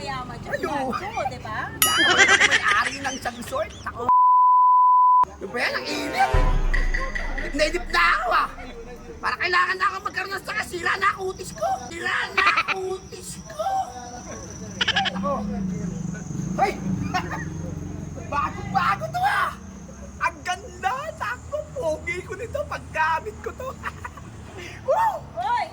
mayaman dyan. Ayo. Gancho, di ba? May-ari ng isang resort. Ako. Yung ba yan, ang init. Nainip na ako ah. Para kailangan na ako magkaroon ng saka. Sira na ang utis ko. Sira na ang utis ko. Ako. Hoy! Bago-bago to ah. Ang ganda. Sakto. Pogi ko nito. Paggamit ko to. Woo! Hoy!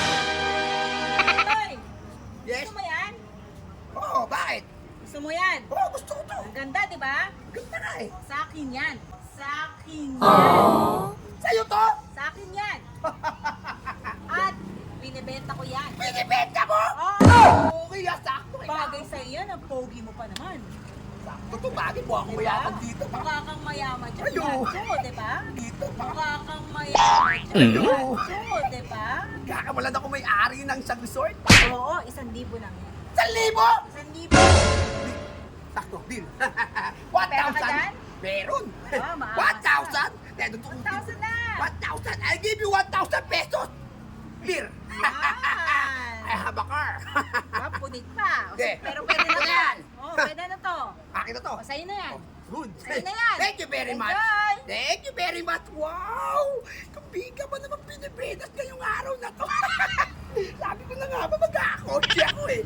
Hoy! Yes? Gusto mo yan? Oo, bakit? Gusto mo yan? Oo, gusto ko to. Ang ganda, di ba? Ganda na eh. Sa akin yan. Sa akin yan. Sa'yo to? Sa akin yan. At binibenta ko yan. Binibenta mo? Oh! Okay ah, sakto. Bagay sa'yo yan. Ang pogi mo pa naman. Sakto to, bagay mo ako mayaman dito. Mukha kang mayaman dyan. Ayo. Gancho, di ba? Dito, Mukha kang mayaman dyan. Ayo. Gancho, di ba? Kakawalan ako may-ari ng isang resort. Oo, 1,000 lang yan. 1,000! 1,000. Sakto, deal. Pera ka dyan? 1,000? Meron. Ah, maangas ka. 1,000? Meron to. 1,000 na. 1,000? I'll give you 1,000 pesos. Beer. I Yan. have a car. Ah, punit pa. Hindi. Pero pwede na to. Yan. Oh, pwede na to. Akin na to. O, sa'yo na yan. Good. Sa'yo na yan. Thank you very much. Enjoy. Thank you very much. Wow! Kapiga ba naman pinipinas ngayong araw na to? Sabi ko na nga ba magkakakotse ako eh.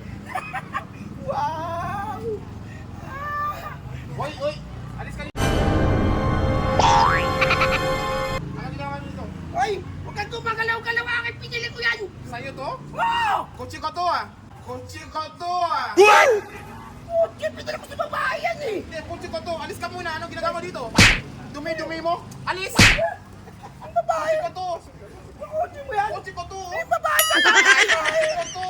Wow! Ah. Hoy, hoy! Alis ka dito! Ano ginawa niyo dito? Hoy! Huwag kang gumagalaw-galaw aking pinili ko yan! Sa'yo to? Wow! Kotse ko to ah! Kotse ko to ah! Kotse! Pinili ko sa babae yan eh! Hindi, kotse ko to! Alis ka muna! Anong ginagawa dito? Dumi-dumi mo? Alis! Ang babae! Kotse ko to! Kotse mo yan! Kotse ko to! May babae sa babae! Kotse ko to!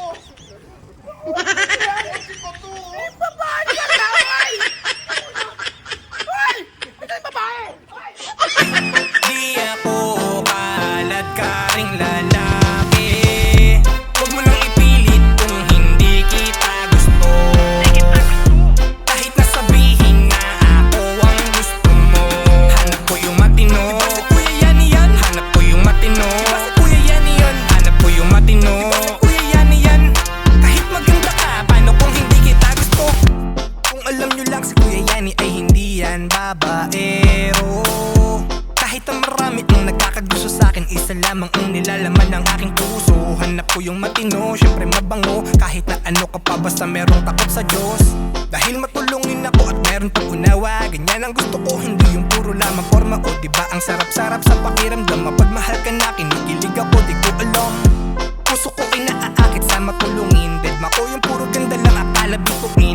Kotse ko to! May babae sa babae! Hoy! Ito yung babae! Hoy! Di ako kalad ka ring lalaki. Huwag mo nang ipilit kung hindi kita gusto. Kahit na sabihin na ako ang gusto mo. Hanap ko yung matino. Diba si Kuya Yani yan? Hanap ko yung matino. Diba si Kuya Yani yan? Hanap ko yung matino. Diba si Kuya Yani yan? Kahit maganda ka, paano kung hindi kita gusto? Kung alam nyo lang si Kuya Yani ay hindi yan babaero. Kahit ang marami ang nagkakagusto sa'kin, isa lamang ang nilalaman ng aking puso. Hanap ko yung matino, syempre mabango. Kahit na ano ka pa, basta merong takot sa Diyos. Dahil matulungin ako at meron pang unawa. Ganyan ang gusto ko, hindi yung puro lamang forma ko. Diba ang sarap-sarap sa pakiramdam? Mapagmahal ka na, kinikilig ako, di ko alam. Puso ko ay naaakit sa matulungin. Deadma ko yung puro ganda lang akala bituin.